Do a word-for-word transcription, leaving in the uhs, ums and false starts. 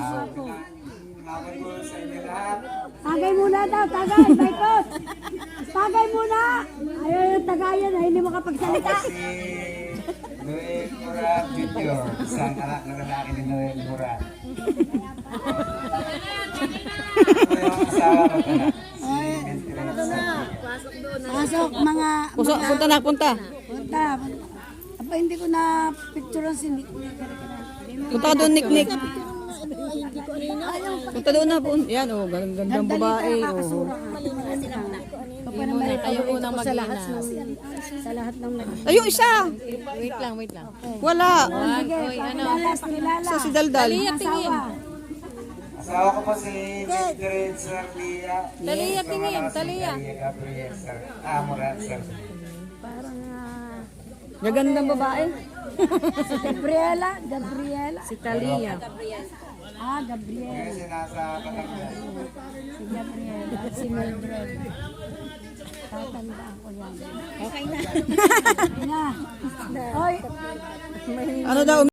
ako. Mabay ko sa inyo lahat. Tagay muna daw, tagay, Michael. Tagay muna. Ayaw yung tagayan, ay hindi makapagsalita. Ako si Noel Murat Junior Isang anak na lalaki ni Noel Murat. Ako yung asawa ko na. Si Mentiresa. Pasok, mga... Puso, mga punta na, punta. punta. Apa, hindi ko na picturean si Nick. Punta ka doon, Nick, Nick. Punta doon na, pun. Yan, oh, gandang gandang babae. Oh. Muna, tayo unang sa lahat ng sa lahat ng Ay, yung isa. Wait lang, wait lang. Wala. sige, pakilala, pakilala. Sa si Daldal. Asawa. Asawa ko po si Mildred Sarlia. Talia, tingin, Talia. Gabriel Sar. Ah, Murat Sar. Parang ah, Gagandang babae. si Gabriela, Gabriela. Si Talia. Ah, Gabriela. Kasi nasa Batangas. Si Gabriela at si Mildred. Tatandaan ko yan. Okay na. Okay na. Oy, Ano daw?